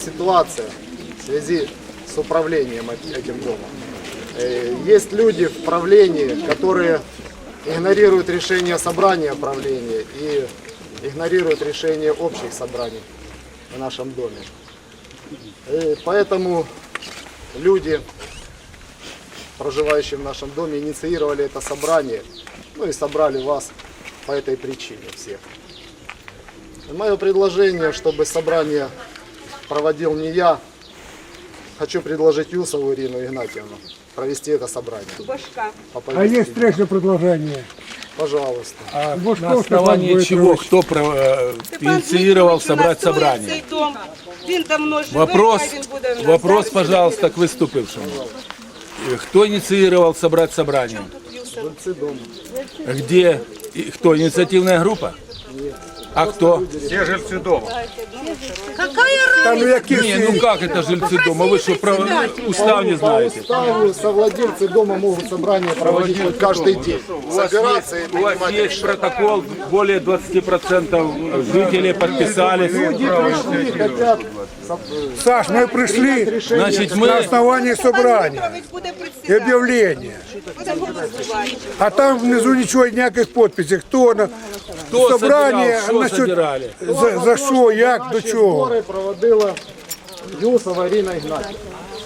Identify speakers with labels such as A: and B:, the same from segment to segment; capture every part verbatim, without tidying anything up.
A: ситуация в связи с управлением этим домом. Есть люди в правлении, которые игнорируют решение собрания правления и игнорируют решение общих собраний в нашем доме. И поэтому люди, проживающие в нашем доме, инициировали это собрание, ну и собрали вас по этой причине всех. И мое предложение, чтобы собрание проводил не я, хочу предложить Юсову Ирину Игнатьевну провести это собрание.
B: А есть третье предложение.
A: Пожалуйста.
B: А
C: На основании чего, кто про, э, инициировал собрать собрание? Вопрос, вопрос, пожалуйста, к выступившему. Кто инициировал собрать собрание?
A: Жильцы дома.
C: Где? И кто? Инициативная группа? А кто?
D: Все жильцы дома.
B: Там яких
C: Не, ну как это жильцы дома? Вы что, про устав не
A: По
C: знаете?
A: уставу совладельцы дома могут собрание проводить хоть каждый день. Собираться и
C: У вас
A: принимать
C: есть
A: решения.
C: протокол, более двадцати процентов жителей подписались.
A: Люди пришли, хотят
B: Саш, мы пришли
A: решение.
C: Значит,
B: на
C: мы...
B: основании собрания и объявления. А там внизу ничего, никаких подписей. Кто на
C: Кто
B: собрание,
C: собирал,
B: насчет-
C: что собирали?
B: за, за що, як, до
A: Наші
B: чого?
A: збори проводила Юсова Ірина Ігнатівна.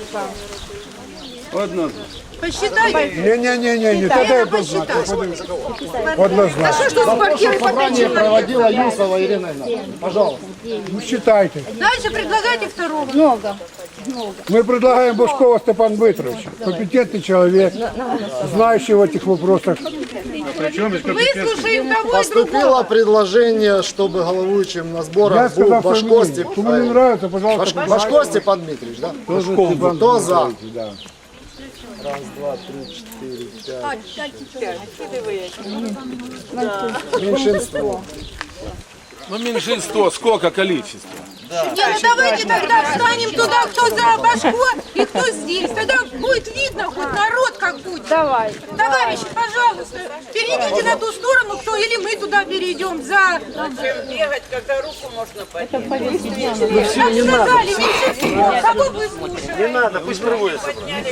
B: Не-не-не-не, тогда я посчитаю. Однозначно.
A: Прошлое собрание проводила Юсова Ирина Игнатьевна. Пожалуйста.
B: Ну, считайте.
E: Дальше предлагайте второго.
F: Много.
B: Мы предлагаем Бушкова Степан Дмитрович, компетентный человек, знающий в этих вопросах.
E: Выслушаем того и другого.
A: Поступило предложение, чтобы головуючим на
B: Я
A: сборах был
B: сказал,
A: Башко
B: что
A: Степан.
B: кому не нравится, пожалуйста.
A: Баш- Башко Степан Дмитриевич, да? Кто за? Раз, два, три, четыре, пять. Меньшинство.
C: Ну, меньшинство, сколько количество?
E: Не, ну давайте тогда встанем туда, кто за Башко и кто здесь. Тогда будет видно хоть народ как будет.
F: Давай.
E: Товарищи, пожалуйста, перейдите на ту сторону, кто или мы туда перейдем за...
G: Бегать, когда руку можно поднять.
E: Нам сказали, меньшинство. Кого вы слушаете?
D: Не надо, пусть проводится.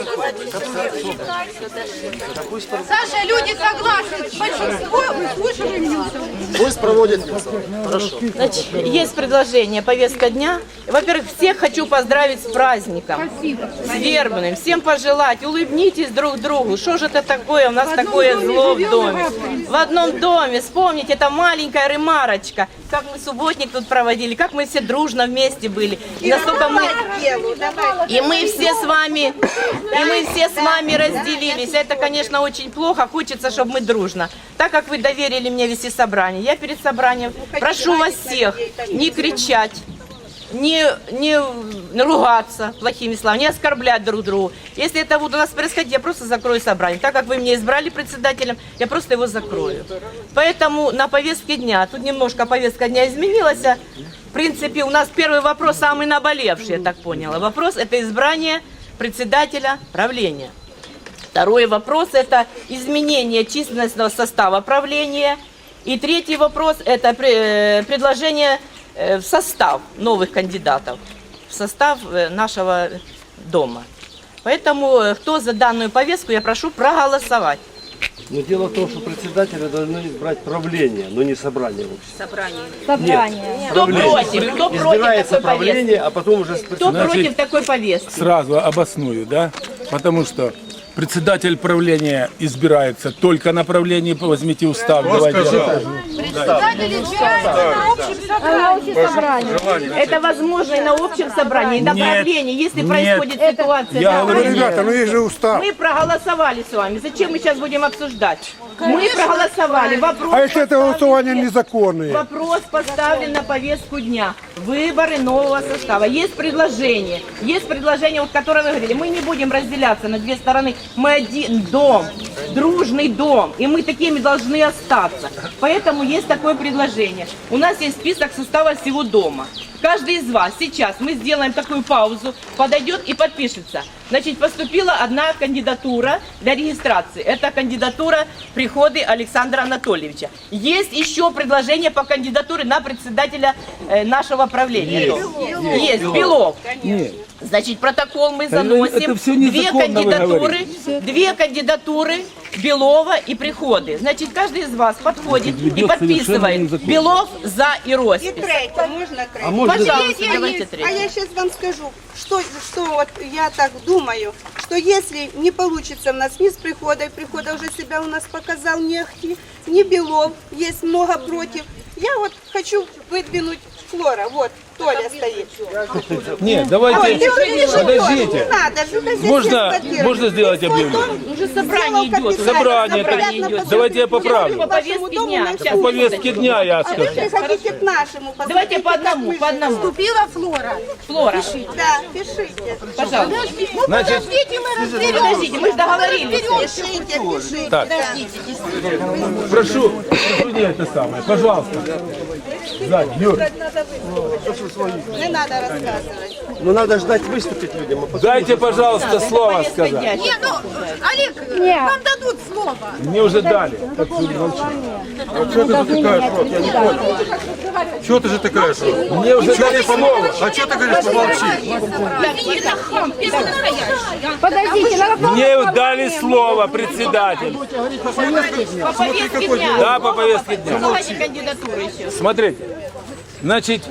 E: Саша, люди согласны. Большинство выслушиваем Юсова.
A: Пусть проводит Юсова. Хорошо.
G: Значит, есть предложение, повестка дня. Во-первых, всех хочу поздравить с праздником. С вербным. Всем пожелать, улыбнитесь друг другу. Что же это такое? У нас такое зло в доме. В одном доме. Вспомните, это маленькая ремарочка. Как мы субботник тут проводили, как мы все дружно вместе были. И насколько мы... И мы все с вами, и мы все с вами разделились. Это, конечно, очень плохо. Хочется, чтобы мы дружно. Так как вы доверили мне вести собрание, я перед собранием прошу вас всех не кричать, не, не ругаться плохими словами, не оскорблять друг друга. Если это будет у нас происходить, я просто закрою собрание. Так как вы меня избрали председателем, я просто его закрою. Поэтому на повестке дня, тут немножко повестка дня изменилась. В принципе, у нас первый вопрос самый наболевший, я так поняла. Вопрос – это избрание председателя правления. Второй вопрос – это изменение численностного состава правления. И третий вопрос – это предложение в состав новых кандидатов, в состав нашего дома. Поэтому, кто за данную повестку, я прошу проголосовать.
H: Но дело в том, что председателя должны избрать правление, но не собрание общества.
F: Собрание.
G: Кто против? Кто против
H: Избирается
G: такой повестки?
H: правление, а потом уже...
G: Кто против такой повестки?
C: Сразу обосную, да? Потому что председатель правления избирается только на правлении, возьмите устав, давайте.
E: Председатель избирается на общем
F: А общее собрание.
G: Это возможно и на общем собрании, и на
C: Нет,
G: правлении, если
C: нет.
G: происходит ситуация.
C: Я
G: да.
C: говорю,
B: Ну, ребята, ну есть же устав.
G: Мы проголосовали с вами. Зачем мы сейчас будем обсуждать? Мы проголосовали. Вопрос,
B: А если это голосование незаконное?
G: вопрос поставлен на повестку дня. Выборы нового состава. Есть предложение. Есть предложение, вот, которое вы говорили. Мы не будем разделяться на две стороны. Мы один дом, дружный дом. И мы такими должны остаться. Поэтому есть такое предложение. У нас есть список состава всего дома. каждый из вас сейчас, мы сделаем такую паузу, подойдет и подпишется. Значит, поступила одна кандидатура для регистрации. Это кандидатура Приходы Александра Анатольевича. Есть еще предложение по кандидатуре на председателя э, нашего правления. Есть, Есть. Белов.
C: Нет.
G: Значит, протокол мы
C: Это
G: заносим.
C: всё
G: Две
C: незаконно, вы
G: кандидатуры,
C: говорите.
G: две кандидатуры Белова и Приходы. Значит, каждый из вас подходит
C: Ведет
G: и подписывает
C: совершенно незаконно.
G: Белов за и
E: И
G: роспись.
E: третье, можно третье?
H: А можно
G: Пожалуйста,
E: Я
G: давайте
E: есть-
G: третье.
E: А я сейчас вам скажу, что, что вот я так думаю, что если не получится у нас ни с Приходой, Прихода уже себя у нас показал, не Ахти, ни Белов, есть много против. Я вот хочу выдвинуть Флора, вот, Толя стоит.
C: Нет,
E: Ой,
C: давайте,
E: ты увидишь, Флора,
C: подождите.
E: не надо, же здесь
C: Можно,
E: эксплуатировать.
C: можно сделать
E: Ты свой
C: объявление?
E: дом
G: Уже собрание
E: сделал
G: идет.
E: капитально,
C: Собрание,
E: приятно
G: идет.
E: посмотреть.
C: Давайте я поправлю.
G: По повестке
E: Вашему дому
G: дня.
E: на
G: Сейчас,
C: По повестке дня я
E: А вы
C: скажу.
E: приходите к нашему.
G: Давайте
E: посмотрите,
G: по одному,
E: как мы
G: по одному.
E: живем.
F: Вступила Флора.
G: Флора,
E: Да, пишите.
G: пожалуйста.
C: Значит,
F: Подождите, мы разберем.
G: Подождите, мы же договорились.
E: Пишите, пишите.
C: Так. прошу, прошу не это самое, пожалуйста. Сзади, Юр,
E: Не надо рассказывать.
H: Ну надо ждать выступить людям. а потом-
C: дайте, пожалуйста, слово
G: Повестка
C: сказать.
G: дня.
F: Не, ну, Олег, Нет. вам дадут слово.
C: Мне уже дали. Так что молчу.
D: Что ты же такая, шот? Я не понял. Что ты же такая, шот?
C: Мне уже дали слово.
D: А что ты говоришь, помолчи?
F: Подождите, надо
C: Мне дали слово, председатель.
G: По повестке дня.
C: Да, по повестке дня.
G: Давайте кандидатуры еще.
C: Смотрите, значит,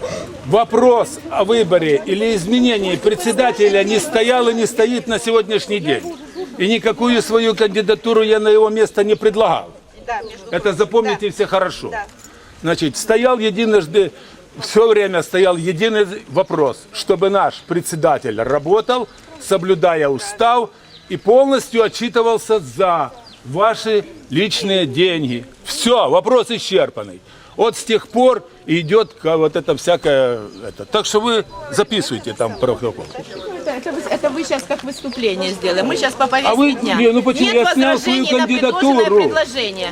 C: вопрос о выборе или изменении председателя не стоял и не стоит на сегодняшний день. И никакую свою кандидатуру я на его место не предлагал.
E: Да, между
C: Это запомните все хорошо.
E: Да.
C: Значит, стоял единожды, все время стоял единый вопрос, чтобы наш председатель работал, соблюдая устав и полностью отчитывался за ваши личные деньги. Все, вопрос исчерпанный. Вот с тех пор идет ка- вот это всякое. Это. Так что вы записывайте там протокол.
G: Это, это вы, это вы сейчас как выступление сделаем. Мы сейчас по повестке
C: А вы-
G: дня.
C: не, ну почему?
G: Нет
C: Я снял свою
G: возражений на
C: кандидатуру.
G: предложенное предложение.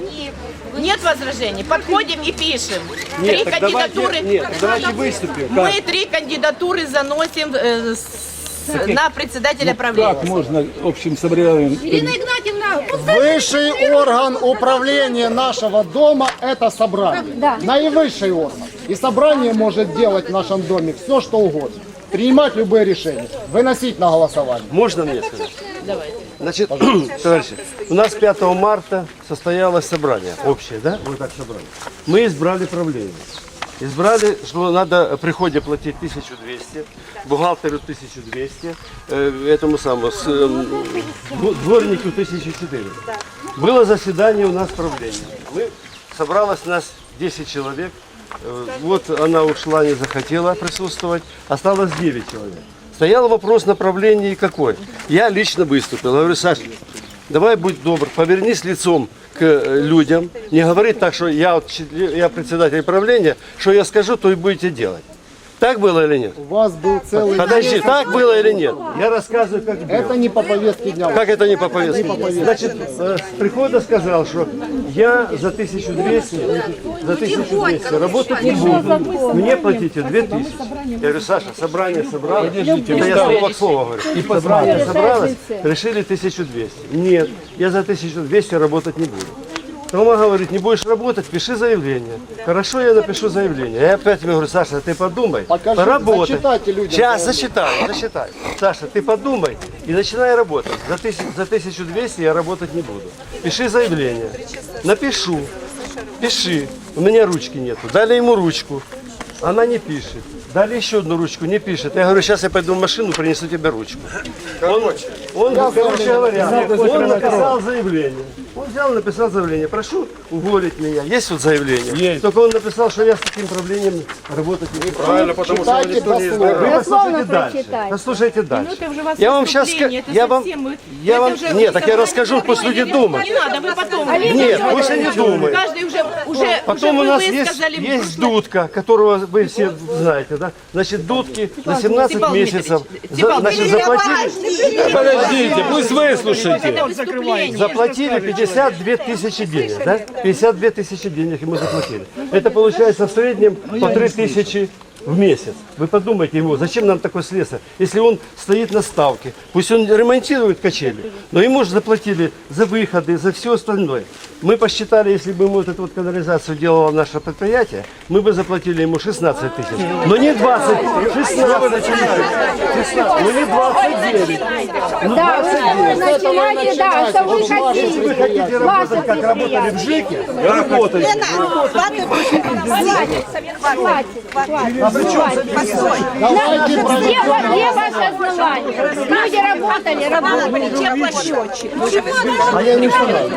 G: Нет возражений. Подходим и пишем.
H: Нет,
G: три
H: так
G: кандидатуры.
H: давайте, нет, давайте выступим.
G: Мы
H: Как?
G: три кандидатуры заносим э, с- на председателя правления.
C: Как можно общим собранием?
F: Ирина Игнатьевна,
A: Высший орган управления нашего дома – это собрание.
F: Да.
A: Наивысший орган. И собрание может делать в нашем доме все, что угодно. Принимать любые решения. Выносить на голосование.
H: Можно мне сказать?
G: Давайте.
H: Значит, товарищи, у нас пятого марта состоялось собрание общее, да? Вот так собрание. Мы избрали правление. Избрали, что надо при приходе платить тысячу двести, бухгалтеру тысячу двести, э, этому самому, с, э, дво- дворнику тысячу четыреста. Было заседание у нас правления. Мы, собралось нас десять человек. Э, Вот она ушла, не захотела присутствовать. Осталось девять человек. Стоял вопрос направления какой. Я лично выступил. Я говорю, Саша, давай будь добр, повернись лицом к э, людям. Не говори так, что я, вот член- я председатель правления, что я скажу, то и будете делать. Так было или нет?
A: У вас был целый...
H: Подожди, так было или нет? Я рассказываю, как было.
A: Это не по повестке дня.
H: Как это не по повестке? Значит, э, с прихода сказал, что я за тысячу двести, за тысячу двести работать не буду. Мне платите две тысячи. Я говорю, Саша, собрание собралось. Это я слово к слову говорю. Собрание собралось, решили тысячу двести. Нет, я за тысячу двести работать не буду. Тома говорит, не будешь работать, пиши заявление. Хорошо, я напишу заявление. Я опять ему говорю, Саша, ты подумай,
A: Покажи,
H: поработай.
A: зачитайте людям
H: Сейчас
A: заявление.
H: зачитаю, зачитаю. Саша, ты подумай и начинай работать. За, тысяч, за тысячу двести я работать не буду. Пиши заявление. Напишу. Пиши. У меня ручки нету. Дали ему ручку. Она не пишет. Дали еще одну ручку, не пишет. Я говорю, сейчас я пойду в машину, принесу тебе ручку. Он, он, короче говоря, он написал заявление. Он взял, написал заявление. Прошу уволить меня. Есть вот заявление?
C: Есть.
H: Только он написал, что я с таким правлением работать не буду.
D: Правильно, потому что его
A: Читайте
D: никто не
A: дословно.
H: Вы
F: Дословно
H: послушайте дальше.
F: прочитайте.
H: Послушайте дальше.
G: это уже у вас
H: Я вам сейчас
G: выступление, это
H: я вам,
G: совсем вы-
H: я
G: это
H: вам,
G: уже
H: нет, так я
G: собрание
H: расскажу, пусть люди
G: правления.
H: думают.
G: Не надо, вы потом.
H: Нет, пусть они думают.
G: Каждый уже, уже,
H: Потом
G: уже
H: у нас
G: вы
H: есть,
G: высказали в
H: есть
G: прошлом-
H: дудка, которого вы все знаете, да? Значит, дудки за семнадцать
G: Степан
H: месяцев
G: Дмитриевич,
H: за-
G: Степан
H: значит,
G: Дмитриевич,
H: заплатили,
C: Подождите, пусть выслушайте.
G: Это выступление.
H: заплатили пятьдесят две тысячи денег, да? пятьдесят две тысячи денег ему заплатили. Это получается в среднем по три тысячи в месяц. Вы подумайте ему, зачем нам такой слесарь, если он стоит на ставке, пусть он ремонтирует качели, но ему же заплатили за выходы, за все остальное. Мы посчитали, если бы мы вот эту вот канализацию делало наше предприятие, мы бы заплатили ему шестнадцать тысяч. Но не двадцать, шестнадцать, шестнадцать, но не двадцать девять. Ну,
F: Да, вы начинаете, да, что вы
H: если вы
F: хотите.
H: хотите работать, как работали в ЖЭКе, работайте.
F: А при чем где, где ваше основание? Люди работали, работали. Теплосчетчик.
A: А я не знаю.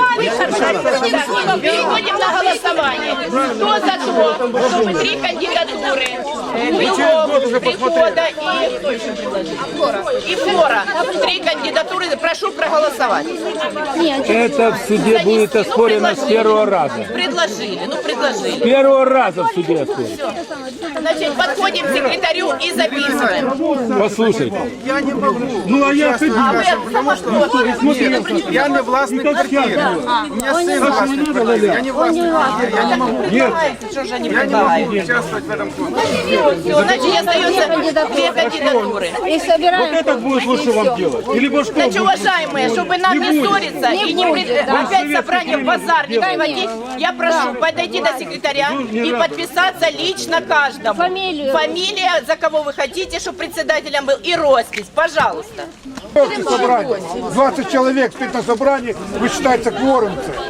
G: Переходим на голосование. Кто за то, чтобы три кандидатуры э, Белов, Прихода и кто еще предложил? И Флора. Три кандидатуры. Прошу проголосовать.
C: Это в суде будет оспорено с первого раза.
G: Предложили, ну предложили.
C: С первого раза в суде оспорено.
G: Значит, подходим к секретарю и записываем.
C: Послушайте.
D: Ну а я
G: А вы сама что?
D: Я не власник квартиры. У меня сын власник квартиры. Я не власник квартиры. Я не могу
G: Что же они предлагают?
D: участвовать в этом конкурсе.
G: Все, значит, остается две кандидатуры.
F: И собираем.
D: Это будет лучше вам делать. Или может что?
G: Значит, уважаемые, чтобы нам не ссориться и не пред- опять собрание в базар не приводить, я прошу подойти до секретаря и подписаться лично каждому.
F: Фамилию.
G: Фамилия, за кого вы хотите, чтобы председателем был, и роспись, пожалуйста.
B: Собрание. двадцать человек спит на собрании, высчитается кворум.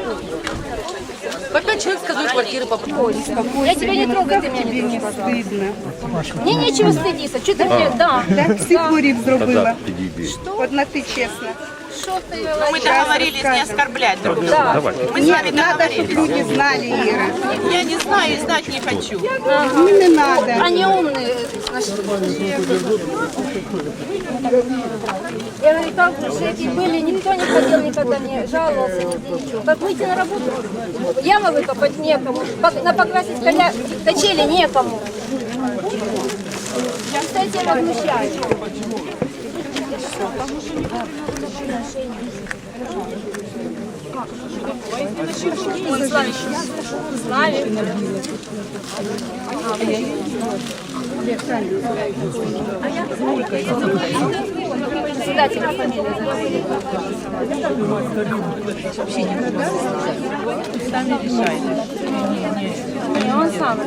F: По пять человек с каждой квартиры попробуйте. Я тебя не трогаю, ты меня не трогай. Мне нечего стыдиться. Что ты мне, да.
E: Так всіх хворів зробила. От на ти чесно.
G: Но мы договорились не оскорблять друг друга. Мы с вами
E: Надо, щоб
G: договорились.
E: люди знали, Іра.
G: Я не знаю и знать не хочу.
E: Ну, не надо.
F: Они умные. Я говорю, как же эти были, никто не хотел никогда не жаловался, нигде ничего. Как выйти на работу? Ямы выкопать некому, пок- на покрасить коля... качели некому. Кстати, я возмущаюсь. Председатель фамилия.
G: Сами решайте.
F: Не, он сам.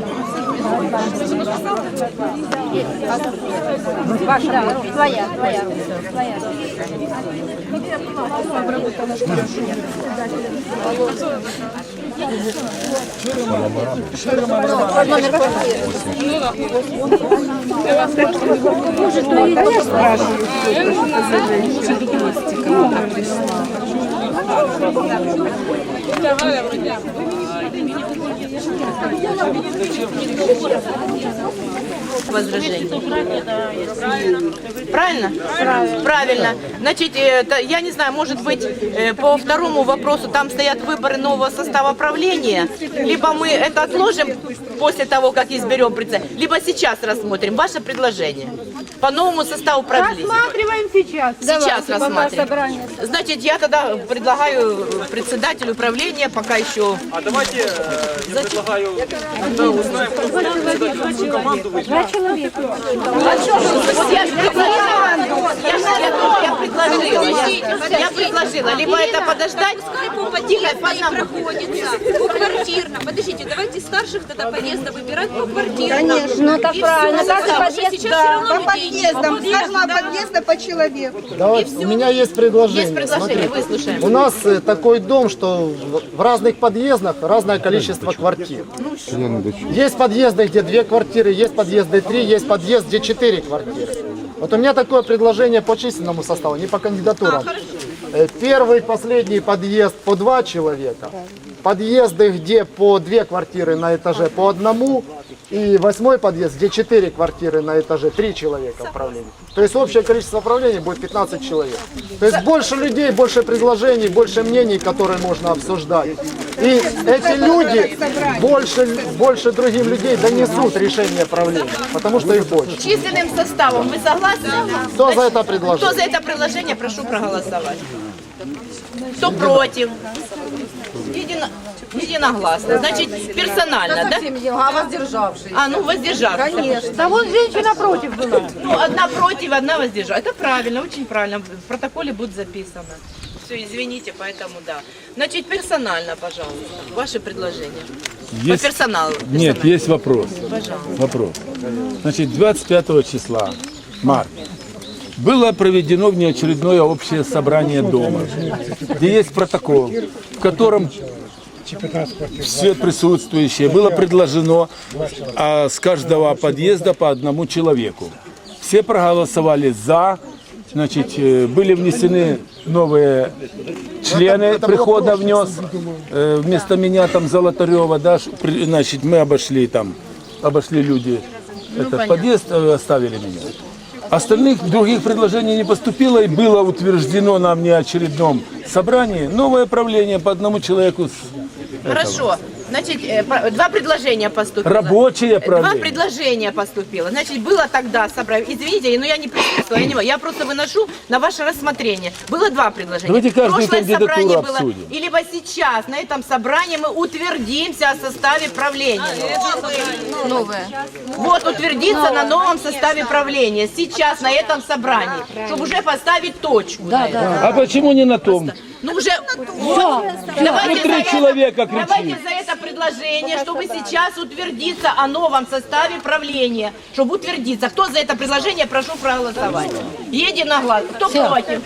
F: Ваша, да, твоя, твоя, твоя. Номер квартиры.
G: Возражений. Правильно? Правильно. Правильно. Значит, это, я не знаю, может быть, э, по второму вопросу там стоят выборы нового состава правления, либо мы это отложим после того, как изберем председателя, либо сейчас рассмотрим ваше предложение по новому составу правления.
F: Рассматриваем сейчас.
G: Сейчас
F: Давайте, пока
G: рассматриваем.
F: собрание.
G: Значит, я тогда предлагаю председателю правления пока еще...
D: А давайте я предлагаю, когда узнаем, кто будет председателем, какую команду вы.
F: Два человека.
G: А что же, вот я же предложила, я же я тоже я предложила, я, я предложила, либо это подождать,
I: Тихо, по проходится по квартирно. Подождите, давайте старших тогда подъезда выбирать по квартирно.
E: Конечно.
F: Ну так
I: И
F: правильно.
I: всё,
F: Каждый
I: потому что
F: подъезд,
I: сейчас
F: да.
I: всё равно
E: По
I: людей
E: подъездам,
I: нет.
E: с каждого подъезда по человеку.
A: Давайте, у меня есть предложение.
G: есть предложение, выслушаем.
A: У нас э, такой дом, что в- в разных подъездах разное количество квартир. Есть подъезды, где две квартиры, есть подъезды три, есть подъезд, где четыре квартиры. Вот у меня такое предложение по численному составу, не по кандидатурам. Э, Первый, последний подъезд по два человека. Подъезды, где по две квартиры на этаже по одному. И восьмой подъезд, где четыре квартиры на этаже, три человека в правлении. То есть общее количество правлений будет пятнадцать человек. То есть больше людей, больше предложений, больше мнений, которые можно обсуждать. И эти люди больше, больше другим людей донесут решение правления, потому что их больше.
G: численным составом вы согласны?
A: Кто за это
G: Кто
A: предложение?
G: за это предложение, прошу проголосовать. Кто против? Едино... Единогласно. Значит, персонально, да?
F: А воздержавшись?
G: А, ну, воздержавшись.
F: Конечно. Да вон женщина против была.
G: Ну, одна против, одна воздержалась. Это правильно, очень правильно. В протоколе будет записано. Все, извините, поэтому да. Значит, персонально, пожалуйста, ваши предложения.
C: Есть-
G: По персоналу.
C: Нет,
G: персонально.
C: есть вопрос. Вопрос. Значит, двадцать пятого числа марта было проведено внеочередное общее собрание дома, где есть протокол, в котором все присутствующие было предложено а, с каждого подъезда по одному человеку. Все проголосовали за. Значит, э, были внесены новые члены, прихода внес, э, вместо меня там Золотарева, да, ш- при- значит, мы обошли там, обошли люди этот подъезд, э, оставили меня. Остальных других предложений не поступило, и было утверждено на внеочередном собрании новое правление по одному человеку. с-
G: Хорошо. Значит, э, по- два предложения поступило.
C: Рабочее
G: Два
C: правление.
G: предложения поступило. Значит, было тогда собрание. Извините, но я не присутствовала. Я, не, я просто выношу на ваше рассмотрение. Было два предложения.
C: Давайте каждую
G: Прошлое
C: кандидатуру
G: собрание было.
C: обсудим.
G: И либо сейчас на этом собрании мы утвердимся о составе правления.
F: Новая.
G: Вот утвердиться на новом составе правления. Сейчас на этом собрании. Чтобы уже поставить точку. Да, да.
C: А почему не на том?
G: Ну уже вот. Давайте
C: Ну, три
G: за это-
C: человека кричит.
G: Давайте за это предложение, чтобы сейчас утвердиться о новом составе правления. Чтобы утвердиться. Кто за это предложение, прошу проголосовать. Единогласно. Кто против?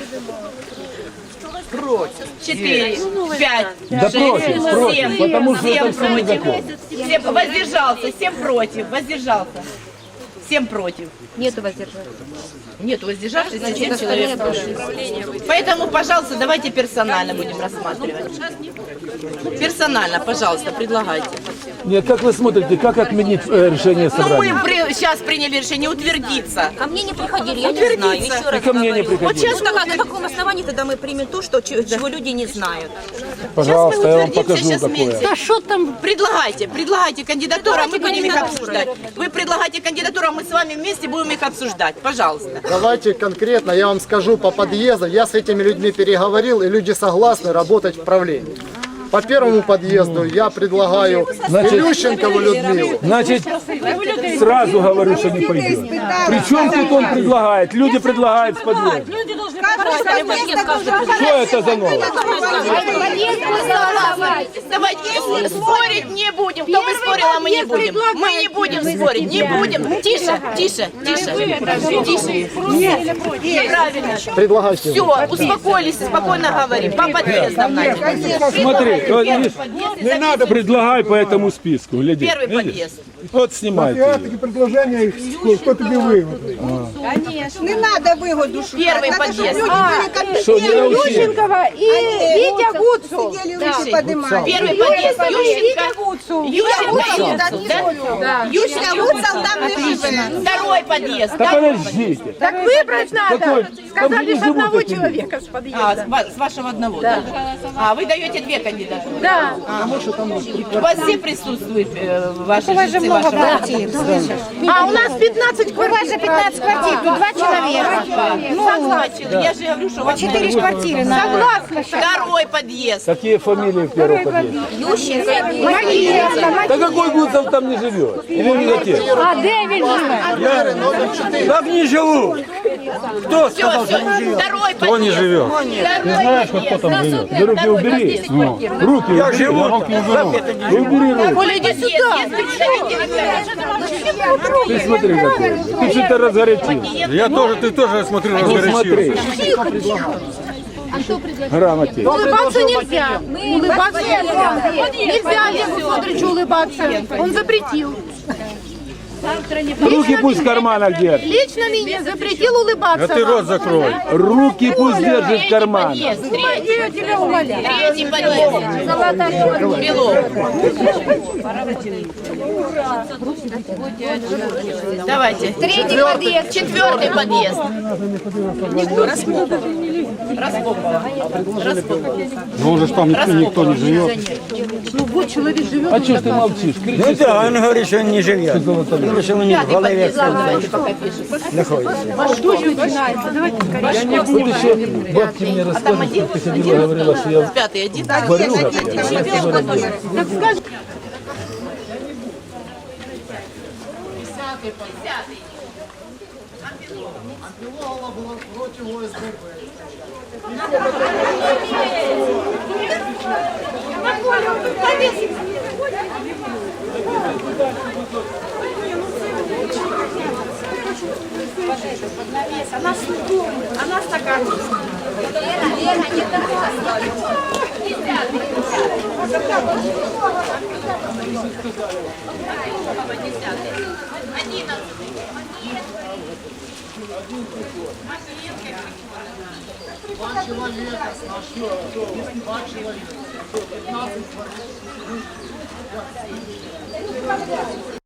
G: Против. Четыре, пять,
C: Да
G: шесть,
C: против, против,
G: семь,
C: потому что
G: семь
C: это все
G: против.
C: незаконно.
G: Семь воздержался, семь против, воздержался. Семь против.
F: Нету воздержавшись.
G: Нет, воздержавшихся семь человек против. Поэтому, пожалуйста, давайте персонально будем рассматривать. Персонально, пожалуйста, предлагайте.
C: Нет, как вы смотрите, как отменить э, решение
G: Ну,
C: собрания?
G: мы при- сейчас приняли решение утвердиться.
I: Ко мне не приходили, я не знаю. Еще раз
C: ко мне не
I: говорю.
C: приходили.
I: Вот сейчас на, на каком основании тогда мы примем то, что, ч- чего люди не знают?
C: Пожалуйста, я вам
G: утвердимся,
C: покажу
G: сейчас
C: такое.
G: вместе.
F: Да что там?
G: Предлагайте, предлагайте кандидатуру, а мы
I: Предлагайте
G: будем их
I: кандидатуры.
G: обсуждать. Вы предлагайте кандидатуру, а мы с вами вместе будем их обсуждать. Пожалуйста.
A: Давайте конкретно, я вам скажу по подъезду. Я с этими людьми переговорил, и люди согласны работать в правлении. По первому подъезду я предлагаю Илющенкову Людмилу.
C: Значит, сразу говорю, что не пойдет. Причем тут он предлагает? Люди предлагают в подъезд. Что это за новость?
G: Давайте спорить не будем. Кто бы спорил, а мы не будем. Мы не будем спорить, не будем. Тише, тише, тише. Тише. Правильно.
A: Предлагайте.
G: Все, успокоились, спокойно говорим. По подъездам, Надя.
C: Смотри, вот видишь, не надо предлагай по этому списку. Гляди.
G: Первый
C: Видишь?
G: подъезд.
C: Вот снимайте.
B: Такі предложення, хто тобі вигодний.
E: Не надо выгоду шукать.
G: Первый
E: Надо,
G: подъезд.
E: чтобы люди были
C: Что, не
E: компетентны.
C: научили?
F: и Витя Гуцул.
E: Сидели, руки поднимали.
G: Первый подъезд. Ющенко. Ющенко. Да?
E: Ющенко, Гуцул там не живет.
G: Второй подъезд.
C: Да подождите.
F: Так выбрать надо.
C: Какой? Там же не живут
F: Одного
C: такие.
F: человека с
G: А,
F: подъезда.
G: с ва- с вашего одного, да? А, вы даете две кандидатуры?
F: Да.
G: У вас все присутствуют э, ваши жильцы вашего квартиры?
F: А у нас пятнадцать квартир. У вас же пятнадцать квартир, тут два человека.
G: Согласен. Я же говорю, что у вас четыре
F: квартиры. Согласна.
G: Второй подъезд.
C: Какие фамилии в первом подъезде? Да какой Гуцев там не живет? Или не отец?
F: А де він живе?
C: Там не живу. Кто
G: Все, все. Второй подъезд.
C: не живет?
G: Ты знаешь, кто там живет?
C: Да руки убери. Руки я живу. Убери руки.
G: Коля, иди сюда. Есть представители.
C: Ты смотри какой. Ты что-то разгорячился.
J: Я тоже, ты тоже, смотрю,
C: Ну смотри.
J: разгорячился.
C: Грамоте.
F: Улыбаться нельзя. Улыбаться нельзя. Нельзя Олегу Федоровичу улыбаться. Он запретил.
C: Руки пусть в карманах держит.
F: Лично мне запретил улыбаться.
J: А ты рот закрой.
C: Руки пусть держит в карманах.
G: Подъезд.
F: Я тебя умоляю.
G: Третий подъезд. Белов. Давайте.
F: Третий подъезд.
G: Четвертый подъезд. Распопова. Распопова. Распопова.
J: Ну уже ж там никто, никто не живет.
C: А что ж ты молчишь?
J: Ну да, он говорит, что он не живет.
K: зрозуміло, що вони в голові як знаходяться.
C: Я не буду еще, бабки мне рассказывают, как ты ходила, говорила, что я
G: Пятый один.
C: варюга.
A: Белова была против О С Б Б.
I: Она она стакан.
A: Два человека, два человека, пятнадцать